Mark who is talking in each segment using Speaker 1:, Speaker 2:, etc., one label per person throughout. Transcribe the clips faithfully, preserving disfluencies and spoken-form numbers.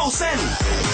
Speaker 1: าเส้น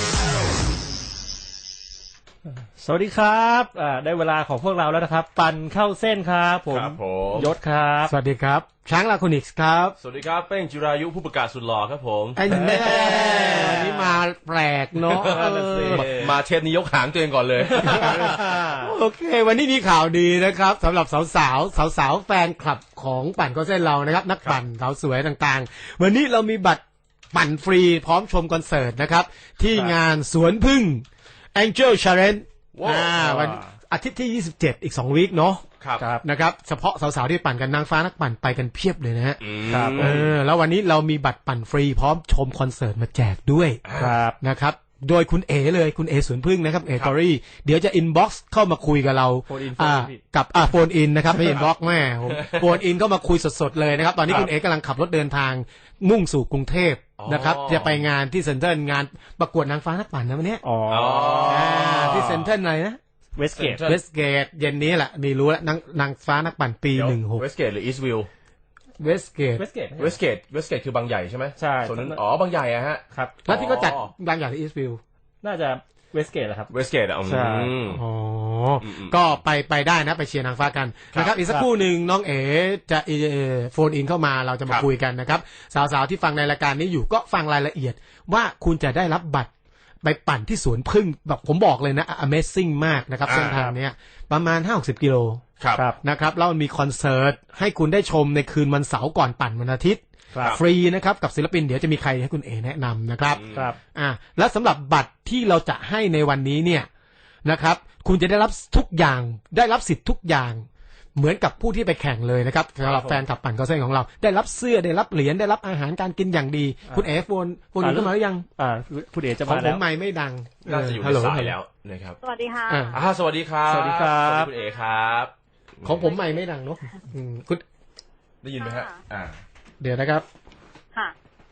Speaker 2: สวัสดีครับได้เวลาของพวกเราแล้วนะครับปั่นเข้าเส้นครับผมยศครับ
Speaker 3: สวัสดีครับช้างลาโคนิกส์ครับ
Speaker 4: สวัสดีครับเป้งจิรายุผู้ประกาศสุดหล่อครับผม
Speaker 3: ไอ้แม่วันนี้มาแปลกเนาะ
Speaker 4: มาเทปนี้ยกหางตัวเองก่อนเลย
Speaker 3: โอเควันนี้มีข่าวดีนะครับสำหรับสาวสาวสาวสาวแฟนคลับของปั่นเข้าเส้นเรานะครับนักปั่นสาวสวยต่างๆวันนี้เรามีบัตรปั่นฟรีพร้อมชมคอนเสิร์ตนะครับที่งานสวนพึ่ง Angel Challenge อ่าวันอาทิตย์ที่ยี่สิบเจ็ดอีกสองวีคเนาะครับนะครับเฉพาะสาวๆที่ปั่นกันนางฟ้านักปั่นไปกันเพียบเลยนะฮะครับเออแล้ววันนี้เรามีบัตรปั่นฟรีพร้อมชมคอนเสิร์ตมาแจกด้วยครับนะครับโดยคุณเอเลยคุณเอสวนพึ่งนะครับเอตอรี่เดี๋ยวจะอินบ็อกซ์เข้ามาคุยกับเราอ่ากับอ่าโฟนอินนะครับไม่อินบ็อกซ์แม่ผมโฟนอินก็มาคุยสดๆเลยนะครับตอนนี้คุณเอกำลังขับรถเดินทางมุ่งสู่กรุงเทพนะครับจะไปงานที่เซ็นทรัลงานประกวดนางฟ้านักปั่นนะวันนี้อ๋อที่เซ็นทรัลอะไรนะ
Speaker 2: เวสเกต
Speaker 3: เวสเกตเย็นนี้แหละมีรู้แล้วนางนางฟ้านักปั่นปีหนึ่งหก
Speaker 4: เวสเกตหรืออีสต์วิว
Speaker 3: เวสเกต
Speaker 2: เวสเกต
Speaker 4: เวสเกตเวสเกตคือบางใหญ่ใช่ไหม
Speaker 2: ใช่
Speaker 4: ส่วนนั้นอ๋อบางใหญ่อะฮะ
Speaker 2: ครับ
Speaker 3: แล้วที่ก็จัดบางใหญ่ที่อีสต์วิว
Speaker 2: น่าจะเวสเกตแหละครับ
Speaker 4: เวสเกตอ่ะ
Speaker 2: ใช่
Speaker 3: อ๋อก็ไปไปได้นะไปเชียร์นางฟ้ากันนะครับอีกสักครู่หนึ่งน้องเอ๋จะโฟนอินเข้ามาเราจะมาคุยกันนะครับสาวๆที่ฟังในรายการนี้อยู่ก็ฟังรายละเอียดว่าคุณจะได้รับบัตรไปปั่นที่สวนพึ่งแบบผมบอกเลยนะ Amazing มากนะครับเส้นทางนี้ประมาณ ห้าถึงหกสิบ กิโลนะครับแล้วมีคอนเสิร์ตให้คุณได้ชมในคืนวันเสาร์ก่อนปั่นวันอาทิตย์ฟรีนะครับกับศิลปินเดี๋ยวจะมีใครให้คุณเอแนะนำนะครับ
Speaker 2: ครับ
Speaker 3: อ่าและสำหรับบัตรที่เราจะให้ในวันนี้เนี่ยนะครับคุณจะได้รับทุกอย่างได้รับสิทธิ์ทุกอย่างเหมือนกับผู้ที่ไปแข่งเลยนะครับสำหรับแฟนคลับปั่นเข้าเส้นของเราได้รับเสื้อได้รับเหรียญได้รับอาหารการกินอย่างดีคุณเอโฟนโฟนเข้ามาหรือยัง
Speaker 2: อ่าคุณเอจะมา
Speaker 3: แล้วผมไม่ไม่ดัง
Speaker 4: น่าจะอยู่ในสายแล้วนะครับ
Speaker 5: สวัสดีค่ะ
Speaker 4: อ่าสวัสดีครับ
Speaker 2: สวัสดีครับ
Speaker 4: คุณเอครับ
Speaker 3: ของผมไม่ไม่ดังเนาะคุณ
Speaker 4: ได้ยินไหมฮะอ่า
Speaker 3: เดี๋ยวนะครับ
Speaker 5: ค่ะ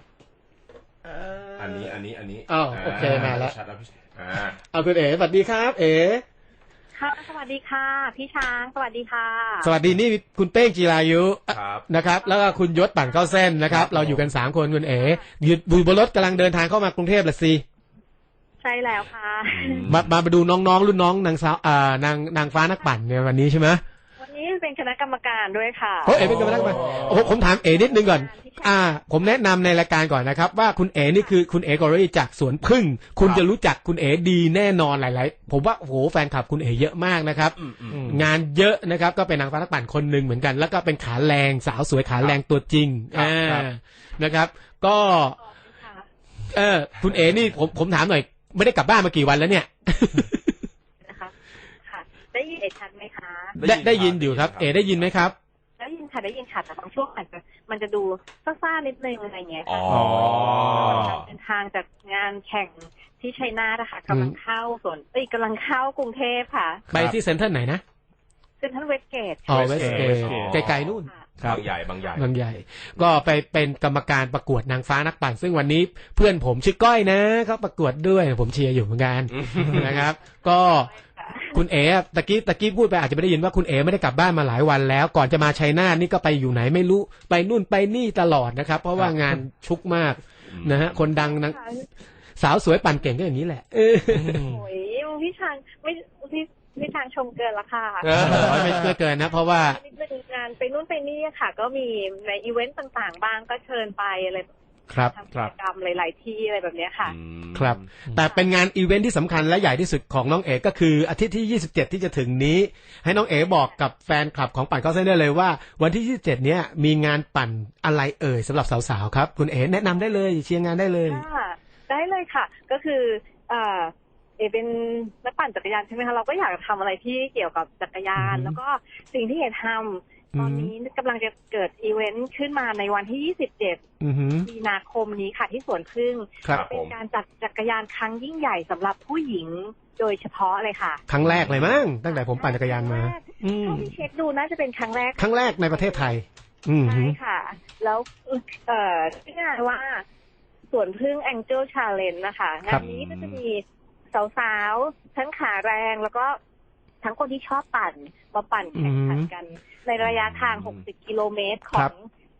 Speaker 4: อันนี้อันนี้อันนี้
Speaker 3: อ้าวโอเคมาแล้ว
Speaker 4: ชัดแล้วพี่อ่า
Speaker 3: เอาคุณเอ๋สวัสดีครับเอ๋
Speaker 5: ค่ะสวัสดีค่ะพี่ช้างสวัสดีค่ะ
Speaker 3: สวัสดีนี่คุณเป้งจีรายุนะครับแล้วก็คุณยศปั่นเข้าเส้นนะครับเราอยู่กันสามคนคุณเอ๋ยืนบนรถกำลังเดินทางเข้ามากรุงเทพละสิ
Speaker 5: ใช่แล้วค่ะ
Speaker 3: มามาดูน้องๆรุ่นน้องนางสาวอ่านางนางฟ้านักปั่นเนี่ยวันนี้ใช่ไหม
Speaker 5: วันนี้เป็นคณะกรรมการด้วยค่ะ
Speaker 3: โอ้เอ๋เป็นคณะกรรมการโอ้ผมถามเอ๋นิดนึงก่อนอ่าผมแนะนำในรายการก่อนนะครับว่าคุณเอ๋นี่คือคุณเอ๋กอรี่จากสวนพึ่งคุณจะรู้จักคุณเอ๋ดีแน่นอนหลายๆผมว่าโอ้โหแฟนคลับคุณเอ๋เยอะมากนะครับงานเยอะนะครับก็เป็นนางฟ้านักปั่นคนหนึ่งเหมือนกันแล้วก็เป็นขาแรงสาวสวยขาแรงตัวจริงอ่านะครับก็เออคุณเอ๋นี่ผมผมถามหน่อยไม่ได้กลับบ้านมากี่วันแล้วเนี่ย
Speaker 5: นะคะค่ะได้ยินเอ๋ชัดไหมคะ
Speaker 3: ได้ได้ยินอยู่ครับเอ๋ได้ยินไหมครับ
Speaker 5: ได้ยินค่ะได้ยินค่ะแต่บางช่วงอาจจะมันจะดูซ่าๆนิดนึงอะไรเงี้ยค่ะการเดินทางจากงานแข่งที่ชัยนาทนะคะกำลังเข้าส่วนเอ้ยกำลังเข้ากรุงเทพค่ะ
Speaker 3: ไปที่เซ็นทรัลไหนนะ
Speaker 5: เซ็นทรัลเวสเกต
Speaker 3: อ๋อเวสเกตไกลๆนู่น
Speaker 4: บางใหญ่บางใหญ่
Speaker 3: บางใหญ่ก็ไปเป็นกรรมการประกวดนางฟ้านักปั่นซึ่งวันนี้เพื่อนผมชื่อก้อยนะเขาประกวดด้วยผมเชียร์อยู่เหมือนกันนะครับก็คุณเอ๋ตะกี้ตะกี้พูดไปอาจจะไม่ได้ยินว่าคุณเอ๋ไม่ได้กลับบ้านมาหลายวันแล้วก่อนจะมาชัยนาทนี่ก็ไปอยู่ไหนไม่รู้ไปนู่นไปนี่ตลอดนะครับเพราะว่างานชุกมากนะฮะคนดังนะสาวสวยปั่นเก่งก็อย่างนี้แหละโ
Speaker 5: อ้ยพี่ช้างไม่พี่พี่ช้างชมเกินละค่ะ
Speaker 3: ไม่เกินเกินนะเพราะว่า
Speaker 5: งานไปนู่นไปนี่ค่ะก็มีในอีเวนต์ต่างๆบ้างก็เชิญไปอะไร
Speaker 3: ครับ
Speaker 5: ทำกิจกรรมหลายๆที่อะไรแบบนี้ค่ะ
Speaker 3: ครับแต่เป็นงานอีเวนท์ที่สำคัญและใหญ่ที่สุดของน้องเอ๋ก็คืออาทิตย์ที่ยี่สิบเจ็ดที่จะถึงนี้ให้น้องเอ๋บอกกับแฟนคลับของปั่นเข้าเส้นได้เลยว่าวันที่ยี่สิบเจ็ดเนี้ยมีงานปั่นอะไรเอ่ยสำหรับสาวๆครับคุณเอ๋แนะนำได้เลยเชียร์งานได้เลย
Speaker 5: ได้เลยค่ะก็คือเอ่อเอเป็นนักปั่นจักรยานใช่ไหมคะเราก็อยากทำอะไรที่เกี่ยวกับจักรยานแล้วก็สิ่งที่เอ๋ทำตอนนี้กำลังจะเกิดอีเวนต์ขึ้นมาในวันที่ยี่สิบเจ็ดมีนาคมนี้ค่ะที่สวนพึ่งเป็นการจัดจักรยานครั้งยิ่งใหญ่สำหรับผู้หญิงโดยเฉพาะเลยค่ะ
Speaker 3: ครั้งแรกเลยมั้งตั้งแต่ผมปั่นจักรยานมา
Speaker 5: เท่าที่เช็คดูน่าจะเป็นครั้งแรก
Speaker 3: ครั้งแรกในประเทศไทย
Speaker 5: ใช่ค่ะแล้วเอ่อที่งานว่าสวนพึ่ง Angel Challenge นะคะงานนี้ก็จะมีสาวๆทั้งขาแรงแล้วก็ทั้งคนที่ชอบปั่นมาปั่นแข่งขันกันในระยะทางหกสิบกิโลเมตรของ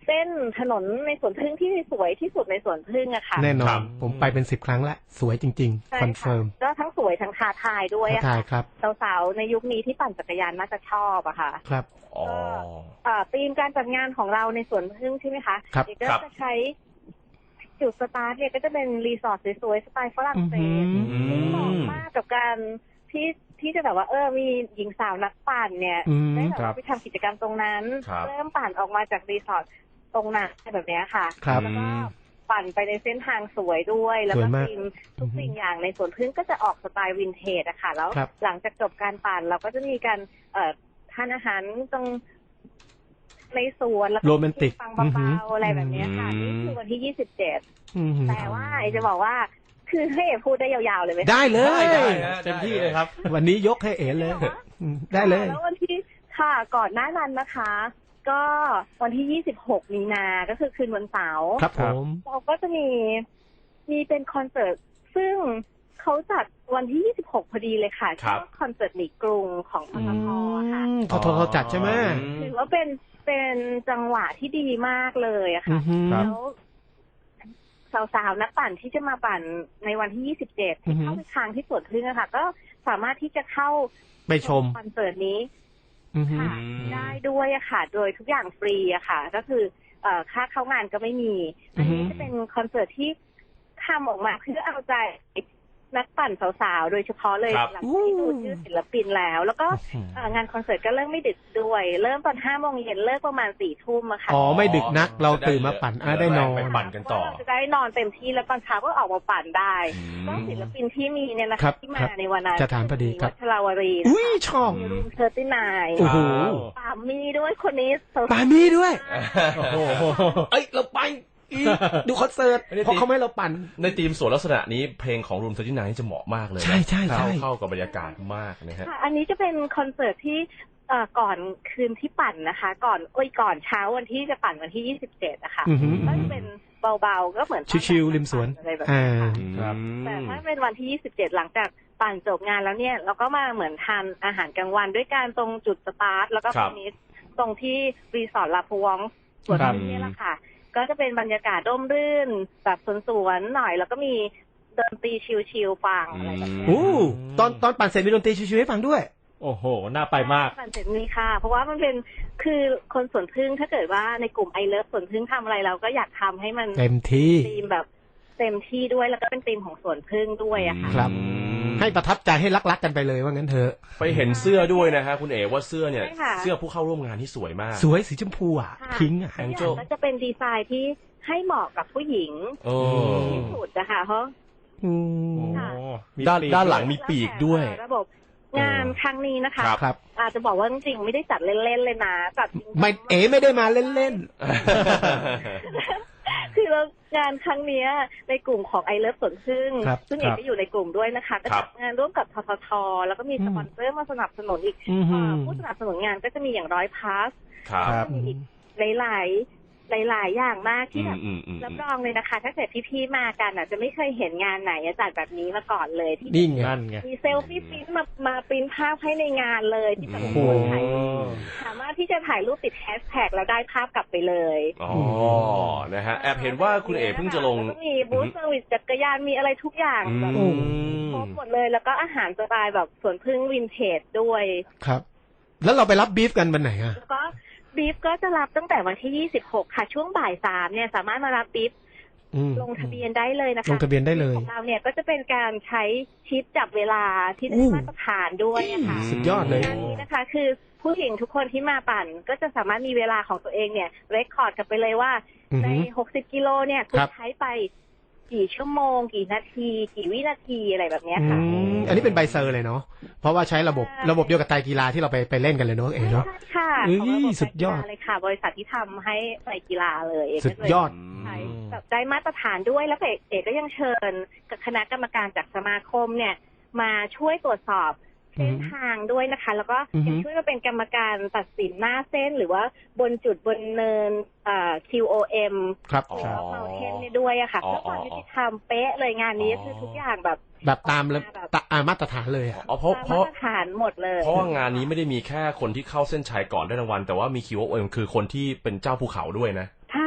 Speaker 5: เส้นถนนในสวนพึ่งที่สวยที่สุดในสวนพึ่งอะค่ะ
Speaker 3: แน่นอ
Speaker 4: ครั
Speaker 3: น
Speaker 4: บ
Speaker 3: ผมไปเป็นสิบครั้งละสวยจริง
Speaker 5: ใช่
Speaker 3: ๆ คอน
Speaker 5: ค่ะ
Speaker 3: เฟิร์ม
Speaker 5: ก็ทั้งสวยทั้งท้าทายด้วยอะ
Speaker 3: ท้าทาย
Speaker 5: ค่ะ
Speaker 3: ครับ
Speaker 5: สาวๆในยุคนี้ที่ปั่นจักรยานน่าจะชอบอะค่ะ
Speaker 3: ครับ
Speaker 4: อ๋อ
Speaker 5: อ่าธีมการจัดงานของเราในสวนพึ่งใช่ไหมคะ
Speaker 3: ครับ
Speaker 5: เด็กก็
Speaker 4: ครับ
Speaker 5: จะใช้จุดสตาร์ทเนี่ยก็จะเป็นรีสอร์ทสวยๆสไตล์ฝรั่งเศส
Speaker 3: อือหือ
Speaker 5: ซึ่งเหมาะมากกับการที่ที่จะแบบว่าเออมีหญิงสาวนักปั่นเนี่ย
Speaker 3: อืม
Speaker 5: ได้แบบ
Speaker 2: ครั
Speaker 5: ว่า
Speaker 2: บ
Speaker 5: ไปทำกิจกรรมตรงนั้น
Speaker 4: ครับ
Speaker 5: เริ่มปั่นออกมาจากรีสอร์ทตรงนั้นแบบเนี้ยค่ะ
Speaker 3: ครับ
Speaker 5: แล้วก็ปั่นไปในเส้นทางสวยด้วย แล้ว
Speaker 3: ส
Speaker 5: ก็
Speaker 3: วยมาก
Speaker 5: ธีมทุกสิ่งอย่างในสวนพึ่งก็จะออกสไตล์วินเทจอะค่ะแล้ว
Speaker 3: ครับ
Speaker 5: หลังจากจบการปั่นเราก็จะมีการเอ่อทานอาหารตรงในสวนแล้วก็
Speaker 3: โรแมนติก
Speaker 5: ฟัง
Speaker 3: อือหือ
Speaker 5: เบาๆอะไรแบบเนี้ยค่ะ
Speaker 4: อืม
Speaker 5: นี่คือวันที่ยี่สิบเจ็ด
Speaker 3: อือหือ
Speaker 5: แต่ว่าไอจะบอกว่า คือให้เอพูดได้ยาวๆเลยไหมคะ
Speaker 3: ได้เลย
Speaker 4: ได้นะ
Speaker 2: เต็มที่เลยครับ
Speaker 3: วันนี้ยกให้เอ๋เลยอืมได้เลย
Speaker 5: แล้ววันที่ค่ะก่อนหน้านั้นนะคะ ก็วันที่ยี่สิบหกมีนาก็คือคืนวันเสาร์
Speaker 3: ครับผม
Speaker 5: เราก็จะมีมีเป็นคอนเสิร์ตซึ่งเขาจัดวันที่ยี่สิบหกพอดีเลยค่ะ
Speaker 4: ครับ
Speaker 5: ชื่อว่าคอนเสิร์ตหนีกรุงของทททค่ะ
Speaker 3: อืมทททจัดใช่ไหม
Speaker 5: ถือว่าเป็นเป็นจังหวะที่ดีมากเลยอะ
Speaker 3: อื
Speaker 5: ค่ะ
Speaker 3: อหือ
Speaker 2: ครับ
Speaker 5: แล้วสาวๆนักปั่นที่จะมาปั่นในวันที่ยี่สิบเจ็ด
Speaker 3: อื
Speaker 5: ที่
Speaker 3: อฮึ
Speaker 5: เข้าไปทางที่สวนพึ่งอะค่ะ ก็สามารถที่จะเข้า
Speaker 3: ไปชม
Speaker 5: คอนเสิร์ตนี้
Speaker 3: อือหือ
Speaker 5: ค่ะได้ด้วยอะค่ะ โดยทุกอย่างฟรีอะค่ะ ก็คือเอ่อค่าเข้างานก็ไม่มีอันนี้
Speaker 3: อือฮึ
Speaker 5: จะเป็นคอนเสิร์ตที่ทำออกมาเพื่อเอาใจนักปั่นสาวๆโดยเฉพาะเลย
Speaker 4: ครับ
Speaker 5: หลังที่ดูชื่อศิลปินแล้ว แล้วก็เอ่องานคอนเสิร์ตก็เริ่มไม่ดึกด้วย เริ่มตอนห้าโมงเย็นเลิกประมาณสี่ทุ่มอะค่ะ
Speaker 3: อ๋อไม่ดึกนักเราตื่นมาปั่นอ่ะได้นอน
Speaker 4: ไปปั่นกันต่อ
Speaker 5: เพราะเราจะได้นอนเต็มที่แล้วตอนเช้าก็ออกมาปั่นได้
Speaker 4: อืม
Speaker 5: ก็ศิลปินที่มีเนี่ยนะ
Speaker 3: ครั
Speaker 5: คะ
Speaker 3: บ
Speaker 5: ที่มาในวันนั้น
Speaker 3: จะถามพอดีครับ
Speaker 5: วัชราวรีนะ
Speaker 3: อุ้ย
Speaker 5: คะ
Speaker 3: ชอบ
Speaker 5: มีรูมเทอร์ตี้นาย
Speaker 3: โอ้โห
Speaker 5: ปามีด้วยคนนี้สาวๆ
Speaker 3: ปามีด้วย
Speaker 2: โอ้โห
Speaker 3: เอ้ยเราไปอีกดูคอนเสิร์ต
Speaker 4: ไม่ได้
Speaker 3: เพราะเขาไม่ให้เราปั่น
Speaker 4: ในทีมสวนลักษณะนี้เพลงของรูมเทอร์ตี้ไนท์จะเหมาะมากเลยนะ
Speaker 3: ใช่ใช่ใช่
Speaker 4: เข้าเข้ากับบรรยากาศมากนะฮะ
Speaker 5: ค่ะ อันนี้จะเป็นคอนเสิร์ตที่เอ่อก่อนคืนที่ปั่นนะคะ ก่อนโอ้ยก่อนเช้าวันที่จะปั่นวันที่ยี่สิบเจ็ดนะคะ
Speaker 3: อือหือ
Speaker 5: ก็จะเป็นเบาๆก็เหมือน
Speaker 3: ชิวๆริมสวน
Speaker 5: อะไรแบบ
Speaker 3: อ่า
Speaker 5: นี้ค่ะ
Speaker 2: ครับ
Speaker 5: แต่ถ้าเป็นวันที่ยี่สิบเจ็ดหลังจากปั่นจบงานแล้วเนี่ย เราก็มาเหมือนทานอาหารกลางวันด้วยการตรงจุดสตาร์ทแล้วก็
Speaker 4: ครับ
Speaker 5: ฟินิชตรงที่รีสอร์ทลาพวองสวน
Speaker 2: ครับ
Speaker 5: พึ่งเนี่ยแหละค่ะ ก็จะเป็นบรรยากาศร่มรื่นแบบสวนๆหน่อย แล้วก็มีดนตรีชิลๆฟังอะไรแบบเนี้ย
Speaker 3: โอ้ตอนตอนปั่นเสร็จมีดนตรีชิวๆให้ฟังด้วย
Speaker 2: โอ้โห น่าไปมาก
Speaker 5: ปั่นเสร็จมีค่ะ เพราะว่ามันเป็นคือคนสวนพึ่งถ้าเกิดว่าในกลุ่มไอเลิฟสวนพึ่งทำอะไรเราก็อยากทำให้มัน
Speaker 3: เต็มที่
Speaker 5: ธีมแบบเต็มที่ด้วยแล้วก็เป็นธีมของสวนพึ่งด้วยอะค่ะ
Speaker 3: ครับ
Speaker 4: อืม
Speaker 3: ให้ประทับใจให้รักๆกันไปเลยว่างั้นเถอะ
Speaker 4: ไปเห็นเสื้อด้วยนะฮะคุณเอ๋ว่าเสื้อเนี่ย
Speaker 5: ใช่ค่ะ
Speaker 4: เสื้อผู้เข้าร่วมงานที่สวยมาก
Speaker 3: สวยสีชมพูอ่ะ
Speaker 5: ค่ะ
Speaker 3: พิงค์อ่ะ
Speaker 4: แอง
Speaker 5: ทุก
Speaker 4: เจิล
Speaker 5: อย่างก็จะเป็นดีไซน์ที่ให้เหมาะกับผู้หญิง
Speaker 4: โอ้
Speaker 5: ที่สุดนะคะเพราะ
Speaker 3: อืม
Speaker 2: โอ้
Speaker 5: ค่ะ
Speaker 2: มี
Speaker 4: ด้าน
Speaker 2: ปีก
Speaker 4: ด้านหลัง
Speaker 2: ด้วย
Speaker 4: มีปีกด้วย
Speaker 5: ระบบงานครั้งนี้นะคะ
Speaker 4: ครับ
Speaker 3: ครับ
Speaker 5: อาจจะบอกว่าจริงๆไม่ได้จัดเล่นๆเลยนะจัดจริงๆ
Speaker 3: ไม่เอ๋ไม่ได้มาเล่น
Speaker 5: คือเรางานครั้งเนี้ยในกลุ่มของไอเลิฟสวนพึ่ง
Speaker 3: ครับ
Speaker 5: ซึ่งเอกก็อยู่ในกลุ่มด้วยนะคะก็
Speaker 4: ครั
Speaker 5: จั
Speaker 4: บ
Speaker 5: ดงานร่วมกับทททแล้วก็มี
Speaker 3: อืม
Speaker 5: สปอนเซอร์มาสนับสนุนอีก
Speaker 3: อือหือ
Speaker 5: เอ่อผู้สนับสนุนงานก็จะมีอย่างร้อยพาส
Speaker 4: ครับ
Speaker 2: ครับ
Speaker 5: มีอีกหลายๆหลาย ๆ อย่างมากที่แบบ
Speaker 4: อืมอืม
Speaker 5: รับรองเลยนะคะ ถ้าเกิดพี่ๆมากันอ่ะ จะไม่เคยเห็นงานไหนจัดแบบนี้มาก่อนเลยที่
Speaker 3: ๆนี่ไง
Speaker 2: นั่นไง
Speaker 5: มีเซลฟี่ปริ้นท์มามาปริ้นท์ภาพให้ในงานเลยที่แบบ
Speaker 4: โอ้
Speaker 5: โอ้
Speaker 4: โห
Speaker 5: โหถ่ายสามารถที่จะถ่ายรูปติดแฮชแท็กแล้วได้ภาพกลับไปเลย
Speaker 4: อ๋อ นะฮะ แอบเห็นว่าคุณเอ๋เพิ่งจะลง
Speaker 5: แล้วก็มีบูธเซอร์วิสจักรยานมีอะไรทุกอย่าง
Speaker 4: อื
Speaker 5: แบบ
Speaker 4: ม
Speaker 5: ครบหมดเลย แล้วก็อาหารสไตล์แบบสวนพึ่งวินเทจด้วย
Speaker 3: ครับ แล้วเราไปรับบีฟกันวันไหนอ่ะ
Speaker 5: แล้วก็บีฟก็จะรับตั้งแต่วันที่ยี่สิบหกค่ะ ช่วงบ่ายสามเนี่ยสามารถมารับบีฟ
Speaker 3: อืม
Speaker 5: ลงทะเบียนได้เลยนะคะ
Speaker 3: ลงทะเบียนได้เลย
Speaker 5: ของเราเนี่ยก็จะเป็นการใช้ชิปจับเวลาที่
Speaker 3: อู้
Speaker 5: ได้มาตรฐานด้วยนะคะ
Speaker 3: สุดยอดเลย
Speaker 5: งานนี้นะคะ คือผู้หญิงทุกคนที่มาปั่นก็จะสามารถมีเวลาของตัวเองเนี่ยเรคคอร์ดกันไปเลยว่า
Speaker 3: อือ
Speaker 5: ใน
Speaker 3: หือ
Speaker 5: หกสิบกิโลเนี่ยคุณ
Speaker 3: ครับ
Speaker 5: ใช้ไปกี่ชั่วโมง กี่นาที กี่วินาทีอะไรแบบเนี้ย
Speaker 3: อื
Speaker 5: ค่ะ
Speaker 3: มอันนี้เป็นใบเซอร์เลยเนาะ เพราะว่าใช้ระบบ
Speaker 5: ใช่
Speaker 3: ระบบเดียวกับไตรกีฬาที่เราไปไปเล่นกันเลยเนาะเอ๋เนาะ
Speaker 5: ใช่ค่ะ
Speaker 3: เอ้ย
Speaker 5: ของระบบ
Speaker 3: สุดยอด
Speaker 5: การกีฬาเลยค่ะ บริษัทที่ทำให้ใส่กีฬาเลย
Speaker 3: สุดยอด
Speaker 5: ใช่แบบได้มาตรฐานด้วยแล้วเอกเอกก็ยังเชิญกับคณะกรรมการจากสมาคมเนี่ย มาช่วยตรวจสอบเส้นทางด้วยนะคะ แล้วก็
Speaker 3: อือฮึ
Speaker 5: ยังช่วยมาเป็นกรรมการตัดสินหน้าเส้นหรือว่าบนจุดบนเนินเอ่อ คิว โอ เอ็ม
Speaker 3: ครับ
Speaker 4: อ๋อ
Speaker 5: หรือว่าเมาเทนเนี่ยด้วยอะค่ะ
Speaker 4: อ๋อ
Speaker 5: เพื่อความยุติธรรมเป๊ะเลยงานนี้คือทุกอย่างแบบ
Speaker 3: แบบตามระ
Speaker 5: แบบ
Speaker 3: ตะอ่ามาตรฐานเลยอ่ะ
Speaker 4: อ๋อเพราะ
Speaker 5: ตาม
Speaker 4: เพ
Speaker 5: มา
Speaker 4: ราะ
Speaker 5: ตรฐานหมดเลย
Speaker 4: เพราะว่างานนี้ไม่ได้มีแค่คนที่เข้าเส้นชัยก่อนได้รางวัล แต่ว่ามีคิวโอเอ็มคือคนที่เป็นเจ้าภูเขาด้วยนะ
Speaker 5: ใช่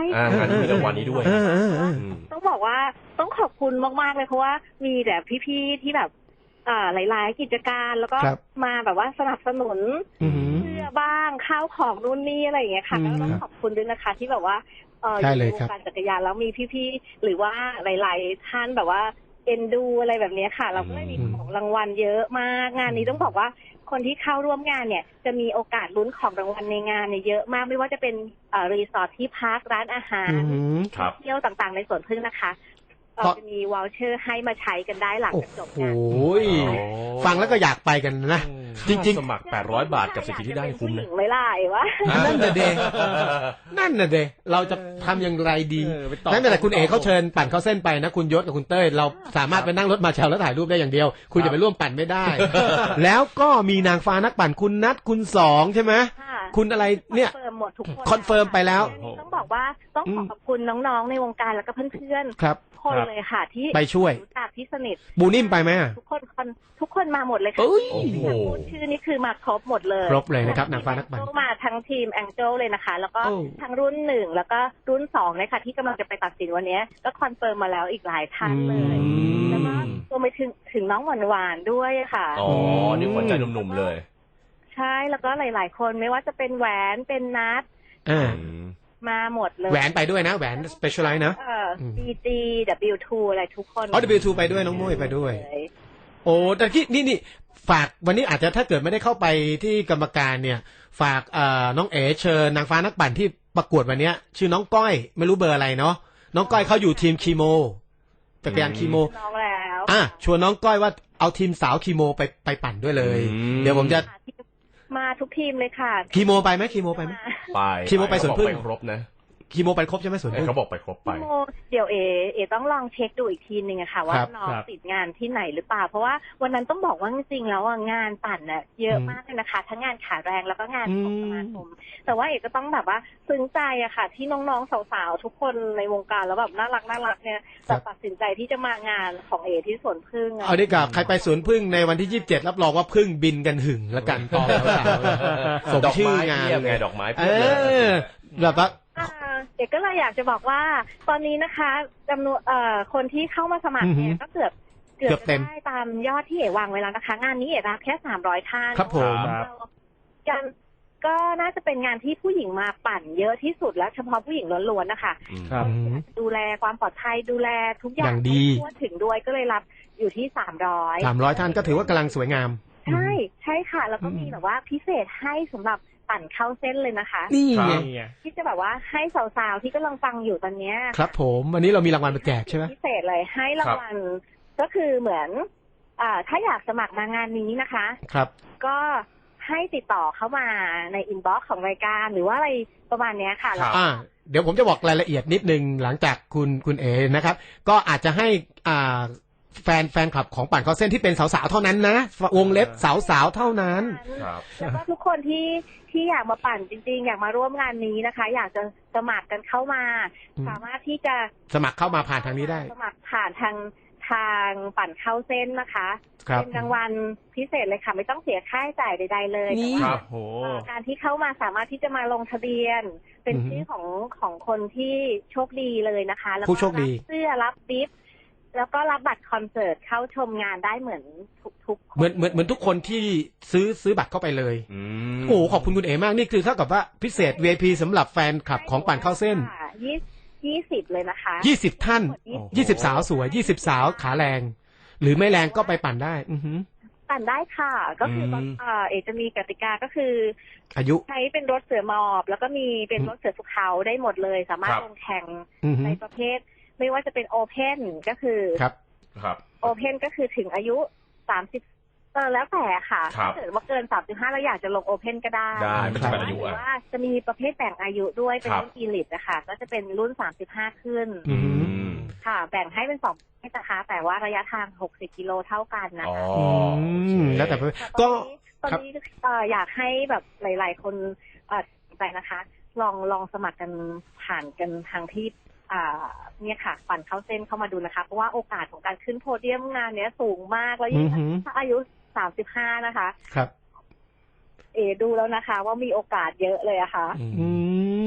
Speaker 4: อ่างานนี้มีรางวัลนี้ด้วย
Speaker 3: เออเออเออ
Speaker 5: ต้องบอกว่าต้องขอบคุณมากๆเลยเพราะว่ามีแต่พี่ๆที่แบบอ่าหลายๆกิจการแล้วก็
Speaker 3: ครับ
Speaker 5: มาแบบว่าสนับสนุน
Speaker 3: อือหือ
Speaker 5: เสื้อบ้างข้าวของนู่นนี่อะไรอย่างเงี้ยค่ะ
Speaker 3: อืม
Speaker 5: ก็ต้องขอบคุณด้วยนะคะที่แบบว่าเออ
Speaker 3: ใช่
Speaker 5: อยู่
Speaker 3: เล
Speaker 5: ใน
Speaker 3: ยว ครับ
Speaker 5: งการจักรยานแล้วมีพี่ๆหรือว่าหลายๆท่านแบบว่าเอ็นดูอะไรแบบเนี้ยค่ะ เราก็เลยมี
Speaker 3: อืม
Speaker 5: ของรางวัลเยอะมากงานนี้ต้องบอกว่าคนที่เข้าร่วมงานเนี่ยจะมีโอกาสลุ้นของรางวัลในงานเนี่ยเยอะมากไม่ว่าจะเป็นเอ่อรีสอร์ทที่พักร้านอาหาร
Speaker 3: อือหือ
Speaker 4: ครับ
Speaker 5: เที่ยวต่างๆในสวนพึ่งนะคะเรา
Speaker 3: เพราะ
Speaker 5: จะมีวอลเชอร์ให้มาใช้กันได้หลัง
Speaker 3: โอ้
Speaker 5: จากจบ
Speaker 3: โห
Speaker 5: งาน
Speaker 3: ฟังแล้วก็อยากไปกันนะ จริง
Speaker 4: สมัครแปดร้อยบาทกับสิทธิที่ได้คุ้ม
Speaker 5: อยากจะเป็นผู้ห
Speaker 4: นะ
Speaker 5: ญิงไหม่ล่ะไอ้วะ
Speaker 3: ๆ นั่นน่ะเดนั่นน่ะเดเราจะทำอย่างไรดี
Speaker 2: เออไปต่อ
Speaker 3: นั่นแต่คุณเอ๋เขาเชิญปั่นเข้าเส้นไปนะคุณยศกับคุณเต้ยเราสามารถไปนั่งรถมาเชลแล้วถ่ายรูปได้อย่างเดียว คุณจะไปร่วมปั่นไม่ได้ แล้วก็มีนางฟ้านักปั่นคุณนัทคุณสองใช่ไหม
Speaker 5: ค่ะ
Speaker 3: คุณอะไรเนี่ย
Speaker 5: คอนเฟิร์มหมดทุกคน
Speaker 3: คอนเฟิร์มไปแล้ว
Speaker 5: อันนี้ต้องบอกว่าต้องขอขอบคุณน้องๆในวงการแล้วก็เพื่อน
Speaker 3: ครับ
Speaker 5: ๆคนเลยค่ะ ที่
Speaker 3: ไปช่วย
Speaker 5: รู้จักที่สนิท
Speaker 3: บูนิ่มไปไหมอะ
Speaker 5: ทุกคนคนทุกคนมาหมดเลยค่ะ
Speaker 3: เอ้ย
Speaker 5: ที่อยากพูดชื่อนี่คือมาครบหมดเลย
Speaker 3: ครบเลยนะครับนางฟ้านักปั่น
Speaker 5: มาทั้งทีมแองเจิลเลยนะคะ แล้วก็
Speaker 3: โอ้
Speaker 5: ทั้งรุ่นหนึ่งแล้วก็รุ่นสองเลยค่ะที่กำลังจะไปตัดสินวันนี้ก็คอนเฟิร์มมาแล้วอีกหลายท่านเลย
Speaker 3: อืม
Speaker 5: แล้วก็รวมไปถึงถึงน้องหวานหวานๆด้วยค่ะ
Speaker 4: อ๋อ นี่หัวใจหนุ่มๆเลย
Speaker 5: ใช่แล้วก็หลาย ๆ คนไม่ว่าจะเป็นแหวนเป็นนัด
Speaker 3: อ่า
Speaker 5: มาหมดเลย
Speaker 3: แหวนไปด้วยนะแหวน specialize นะ
Speaker 5: เอ่อ บี จี ดับเบิลยู ทู อะไรทุกคน
Speaker 3: อ๋อ ดับเบิลยู ทู ไปด้วยน้องมุ้ยไปด้วย
Speaker 5: เลย
Speaker 3: โอ้แต่ที่นี่นี่ฝากวันนี้อาจจะถ้าเกิดไม่ได้เข้าไปที่กรรมการเนี่ย ฝากเอ่อน้องเอ๋เชิญนางฟ้านักปั่นที่ประกวดวันเนี้ย ชื่อน้องก้อยไม่รู้เบอร์อะไรเนาะน้องก้อยเขาอยู่ทีมคีโมจักรยานคีโม
Speaker 5: น้องแล้ว
Speaker 3: อ่ะชวนน้องก้อยว่าเอาทีมสาวคีโมไปไปปั่นด้วยเลย
Speaker 4: อืม
Speaker 3: เดี๋ยวผมจะ
Speaker 5: มาทุกทีมเลยค่ะ
Speaker 3: คีโมไปไหมคีโมไปไหม
Speaker 4: ไป
Speaker 3: คิดว่าไปสวนพึ่ง
Speaker 4: เขาบอกไปครบนะ
Speaker 3: คีโมไปครบใช่ไหมสวน
Speaker 4: เอ้ย
Speaker 3: พึ่ง
Speaker 4: เขาบอกไปครบไป
Speaker 5: พี่โมเดี๋ยวเอเอต้องลองเช็คดูอีกทีหนึ่งอะค่ะ ว่า
Speaker 3: ครับ
Speaker 5: น้อง
Speaker 2: ครับ
Speaker 5: ติดงานที่ไหนหรือเปล่า เพราะว่าวันนั้นต้องบอกว่าจริงๆแล้วอะงานปั่นน่ะเยอะ
Speaker 3: อืม
Speaker 5: มากเลยนะคะ ทั้งงานขาแรงแล้วก็งานของ
Speaker 3: อืม
Speaker 5: สมาคมแต่ว่าเอกก็ต้องแบบว่าซึ้งใจอะค่ะ ที่น้องๆสาวๆทุกคนในวงการแล้วแบบน่ารักน่ารักเนี่ยจะตัดสินใจที่จะมางานของเอที่สวนพึ่งอะ
Speaker 3: เอาดีกว่าใครไปสวนพึ่งในวันที่ยี่สิบเจ็ดรับรองว่าพึ่งบินกันหึงแล้วกันตอนสาวๆสม
Speaker 4: ดอก
Speaker 3: ชื่อ
Speaker 4: ไม้
Speaker 3: งาน
Speaker 4: เพียบ
Speaker 3: เล
Speaker 4: ไง
Speaker 3: ย
Speaker 4: ดอกไม้
Speaker 3: เอ
Speaker 4: เพียบเลย
Speaker 3: อแบบว่า
Speaker 5: อ่าเอกก็เลยอยากจะบอกว่า ตอนนี้นะคะจำนวนเอ่อคนที่เข้ามาสมัครเนี่
Speaker 3: อื
Speaker 5: ย
Speaker 3: อหือ
Speaker 5: ก็เกือบเกือบ
Speaker 3: เกือบเต็
Speaker 5: จะ
Speaker 3: ม
Speaker 5: ได้ตามยอดที่เอกวางไว้แล้วนะคะ งานนี้เอกรับแค่สามร้อยท่าน
Speaker 3: ครับผม
Speaker 2: ครับ
Speaker 5: กันก็น่าจะเป็นงานที่ผู้หญิงมาปั่นเยอะที่สุดแล้วเฉพาะผู้หญิงล้วนๆนะคะ
Speaker 2: ครับ
Speaker 3: อืม
Speaker 5: ดูแลความปลอดภัยดูแลทุกอย่า
Speaker 3: อย่าง งดี
Speaker 5: ให้ทั่วถึงด้วยก็เลยรับอยู่ที่สามร้อย
Speaker 3: สามร้อยท่านก็ถือว่ากำลังสวยงาม
Speaker 5: ใช่ใช่ค่ะ แล้วก็
Speaker 3: อืม
Speaker 5: มีแบบว่าพิเศษให้สำหรับปั่นเข้าเส้นเลยนะคะ
Speaker 3: นี่ไง
Speaker 2: นี่ไง
Speaker 5: ที่จะแบบว่าให้สาวๆที่กำลังฟังอยู่ตอนเนี้ย
Speaker 3: ครับผมวันนี้เรามีรางวัลมาแจกใช่ไหม
Speaker 5: พิเศษเลยให้รางวัลก็คือเหมือนอ่าถ้าอยากสมัครมางานนี้นะคะ
Speaker 3: ครับ
Speaker 5: ก็ให้ติดต่อเข้ามาในอินบ็อกซ์ของรายการหรือว่าอะไรประมาณเนี้ยค่ะ
Speaker 4: ครับ
Speaker 3: อ่า เดี๋ยวผมจะบอกรายละเอียดนิดนึงหลังจากคุณคุณเอนะครับ ก็อาจจะให้อ่าแฟนแฟนคลับของปั่นเข้าเส้นที่เป็นสาวๆเท่านั้นนะวงเล็บสาวๆเท่านั้น
Speaker 4: ครับ
Speaker 5: แล้วก็ทุกคนที่ที่อยากมาปั่นจริงๆ อยากมาร่วมงานนี้นะคะ อยากจะสมัครกันเข้ามา
Speaker 3: อืม
Speaker 5: สามารถที่จะ
Speaker 3: สมัครเข้ามาผ่านทางนี้ได้
Speaker 5: สมัครผ่านทางทางปั่นเข้าเส้นนะคะ
Speaker 3: ครับ
Speaker 5: เป็นรางวัลพิเศษเลยค่ะไม่ต้องเสียค่าใช้จ่ายใดๆเลย
Speaker 3: นี่
Speaker 5: แต่
Speaker 4: ค
Speaker 5: ว่า
Speaker 4: รับ
Speaker 2: โห
Speaker 5: เอ่อการที่เข้ามาสามารถที่จะมาลงทะเบียน เป็น
Speaker 3: อือฮึ
Speaker 5: ชื่อของของคนที่โชคดีเลยนะคะแล้วก็
Speaker 3: ผู้โชคดี
Speaker 5: รับเสื้อรับดิฟแล้วก็รับบัตรคอนเสิร์ตเข้าชมงานได้เหมือนทุกๆคน
Speaker 3: เหมือนเหมือนเหมือนทุกคนที่ซื้อซื้อบัตรเข้าไปเลย
Speaker 4: อืม
Speaker 3: โอ้โหขอบคุณคุณเอมากนี่คือเท่ากับว่าพิเศษ วี ไอ พี สำหรับแฟนคลับของปั่นเข้าเส้น
Speaker 5: ยี่ยี่สิบเลยนะคะ
Speaker 3: ยี่สิบท่าน
Speaker 5: ยี่สิบ
Speaker 3: ยี่สิบสาวสวยยี่สิบสาวขาแรง หรือไม่แรงก็ไปปั่นได้ อือหือ
Speaker 5: ปั่นได้ค่ะ ก็คือตอน
Speaker 4: อืม
Speaker 5: เอ่อเอกจะมีกติกาก็คือ
Speaker 3: อายุ
Speaker 5: ใช้เป็นรถเสือหมอบ แล้วก็มีเป็นรถเสือภูเขาได้หมดเลย สามารถ
Speaker 4: ครับ
Speaker 5: ลงแข่ง
Speaker 3: อือหื
Speaker 5: ใน
Speaker 3: อ
Speaker 5: ประเภท ไม่ว่าจะเป็นโอเพนก็คือ
Speaker 3: ครับ
Speaker 4: ครับ
Speaker 5: โอเพนก็คือถึงอายุสามสิบเออแล้วแต่ค่ะ
Speaker 4: ครับ
Speaker 5: ถ้าเกิดว่าเกินสามสิบห้าเราอยากจะลงโอเพนก็ได้
Speaker 4: ได้ไม่จำกัดอายุ
Speaker 5: หรื
Speaker 4: อ่ะ
Speaker 5: อว่าจะมีประเภทแบ่งอายุด้วยเป็น
Speaker 4: ครับ
Speaker 5: รุ่นอีลิตนะคะก็จะเป็นรุ่นสามสิบห้าขึ้น
Speaker 3: อือหือ
Speaker 4: อืม
Speaker 5: ค่ะ แบ่งให้เป็นสองประเภทนะคะแต่ว่าระยะทางหกสิบกิโลเท่ากันนะ
Speaker 4: อ๋อ
Speaker 5: คะ
Speaker 3: อื
Speaker 4: โอเค
Speaker 3: มแล้วแต่
Speaker 5: แต่
Speaker 3: ก็
Speaker 5: ตอน
Speaker 3: ครับ
Speaker 5: นี้ตอนนี้เอ่ออยากให้แบบหลาย ๆ คนเอ่อสนใจนะคะ ลองลองสมัครกันผ่านกันทางที่อ่าเนี่ยค่ะปั่นเข้าเส้นเข้ามาดูนะคะ เพราะว่าโอกาสของการขึ้นโพเดียมงานเนี้ยสูงมากแล้วยิ่ง
Speaker 3: อือหือ
Speaker 5: ถ้าอายุสามสิบห้านะคะ
Speaker 3: ครับ
Speaker 5: เอดูแล้วนะคะ ว่ามีโอกาสเยอะเลยอะค่ะ
Speaker 3: อืม